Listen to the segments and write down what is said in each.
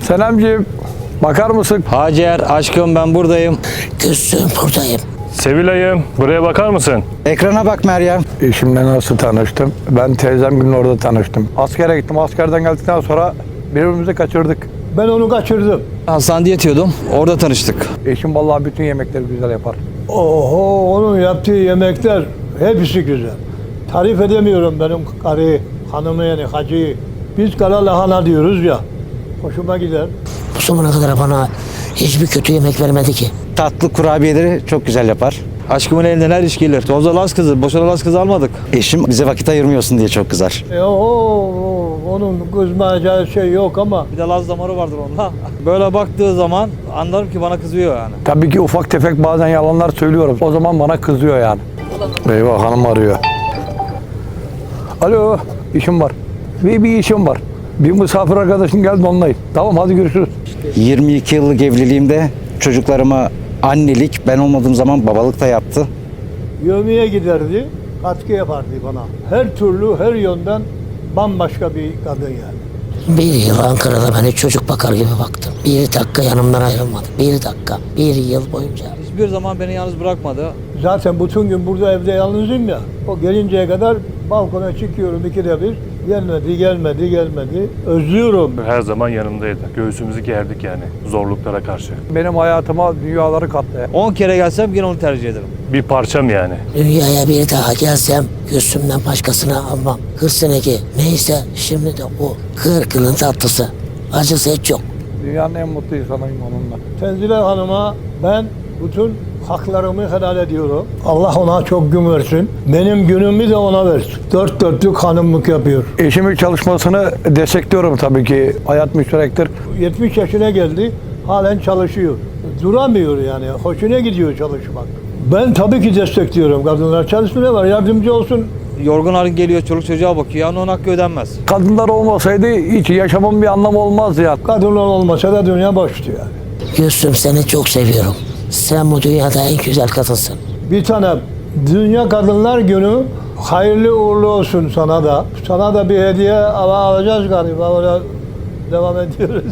Senemciğim, bakar mısın? Hacer, aşkım ben buradayım. Gülsüm buradayım. Sevilay'ım, buraya bakar mısın? Ekrana bak Meryem. Eşimle nasıl tanıştım? Ben teyzemle orada tanıştım. Askere gittim. Askerden geldikten sonra birbirimizi kaçırdık. Ben onu kaçırdım. Hastanede yatıyordum. Orada tanıştık. Eşim vallahi bütün yemekleri güzel yapar. Oho, onun yaptığı yemekler hepsi güzel. Tarif edemiyorum benim karıyı, hanımı yani hacıyı. Biz kara lahana diyoruz ya. Hoşuma gider. Bu zamana kadar bana hiçbir kötü yemek vermedi ki. Tatlı kurabiyeleri çok güzel yapar. Aşkımın elinden her iş gelir. Tozla Laz kızı, boşuna Laz kızı almadık. Eşim bize vakit ayırmıyorsun diye çok kızar. Onun kızmayacağı şey yok ama Bir de Laz damarı vardır onda. Böyle baktığı zaman anlarım ki bana kızıyor yani. Tabii ki ufak tefek bazen yalanlar söylüyorum. O zaman bana kızıyor yani. Eyvah, hanım arıyor. Alo, işim var. Bir işim var. Bir misafir arkadaşım geldi, onlayım. Tamam, hadi görüşürüz. 22 yıllık evliliğimde çocuklarıma annelik, ben olmadığım zaman babalık da yaptı. yövmeye giderdi, katkı yapardı bana. Her türlü, her yönden bambaşka bir kadın yani. Bir yıl Ankara'da beni çocuk bakar gibi baktım. Bir dakika yanımdan ayrılmadı. Bir dakika. Bir yıl boyunca. Hiçbir zaman beni yalnız bırakmadı. Zaten bütün gün burada evde yalnızım ya. O gelinceye kadar balkona çıkıyorum ikide bir. Gelmedi. Özlüyorum. Her zaman yanımdaydı. Göğsümüzü gerdik yani zorluklara karşı. Benim hayatıma dünyaları kattı. 10 kere gelsem yine onu tercih ederim. Bir parçam yani. Dünyaya bir daha gelsem Gülsüm'den başkasını almam. 40 seneki neyse şimdi de o. 40 yılın tatlısı. Acısı hiç yok. Dünyanın en mutlu insanıyım onunla. Tenzile Hanım'a ben bütün haklarımı helal ediyorum. Allah ona çok gün versin. Benim günümü de ona versin. Dört dörtlük hanımlık yapıyor. Eşimin çalışmasını destekliyorum tabii ki. Hayat müşterektir. 70 yaşına geldi, halen çalışıyor. Duramıyor yani, hoşuna gidiyor çalışmak. Ben tabii ki destekliyorum. Kadınlar çalışsın, ne var, yardımcı olsun. Yorgun halin geliyor, çoluk çocuğa bakıyor. Yani onun hakkı ödenmez. Kadınlar olmasaydı hiç yaşamın bir anlamı olmazdı ya. Kadınlar olmasa da dünya boştu yani. Gülsüm seni çok seviyorum. Sen bu dünyada en güzel kadınsın. Bir tane Dünya Kadınlar Günü hayırlı uğurlu olsun sana da. Sana da bir hediye alacağız galiba. Öyle devam ediyoruz.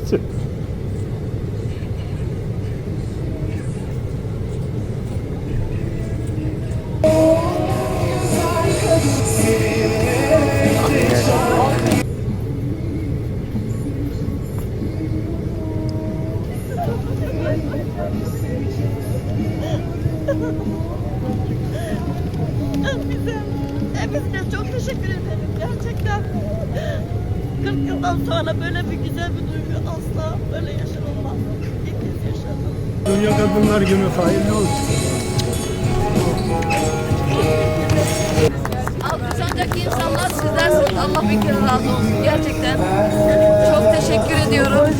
Hepinize çok teşekkür ederim gerçekten. 40 yıldan sonra böyle bir güzel bir duygu asla böyle yaşanılmaz. İlk kez yaşadım. Dünya Kadınlar Günü hayırlı olsun. Alkışlanacak insanlar sizlersiniz. Allah bin kere razı olsun. Gerçekten çok teşekkür ediyorum.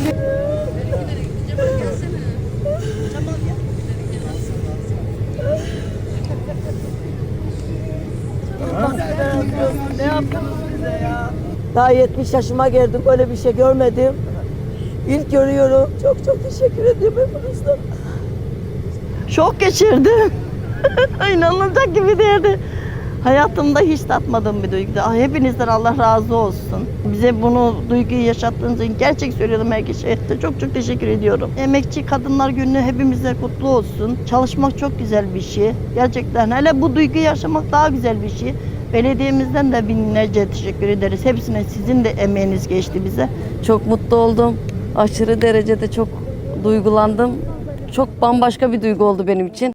Ne yaptınız bize ya? Daha 70 yaşıma geldim, böyle bir şey görmedim. İlk görüyorum. Çok çok teşekkür ediyorum hepinizden. Şok geçirdim. İnanılacak gibi değildi. Hayatımda hiç tatmadığım bir duygu. Hepinizden Allah razı olsun. Bize bunu duyguyu yaşattığınız için gerçek söylüyorum her kişiye. Çok çok teşekkür ediyorum. Emekçi Kadınlar Günü hepimize kutlu olsun. Çalışmak çok güzel bir şey. Gerçekten hele bu duyguyu yaşamak daha güzel bir şey. Belediyemizden de binlerce teşekkür ederiz. Hepsine sizin de emeğiniz geçti bize. Çok mutlu oldum. Aşırı derecede çok duygulandım. Çok bambaşka bir duygu oldu benim için.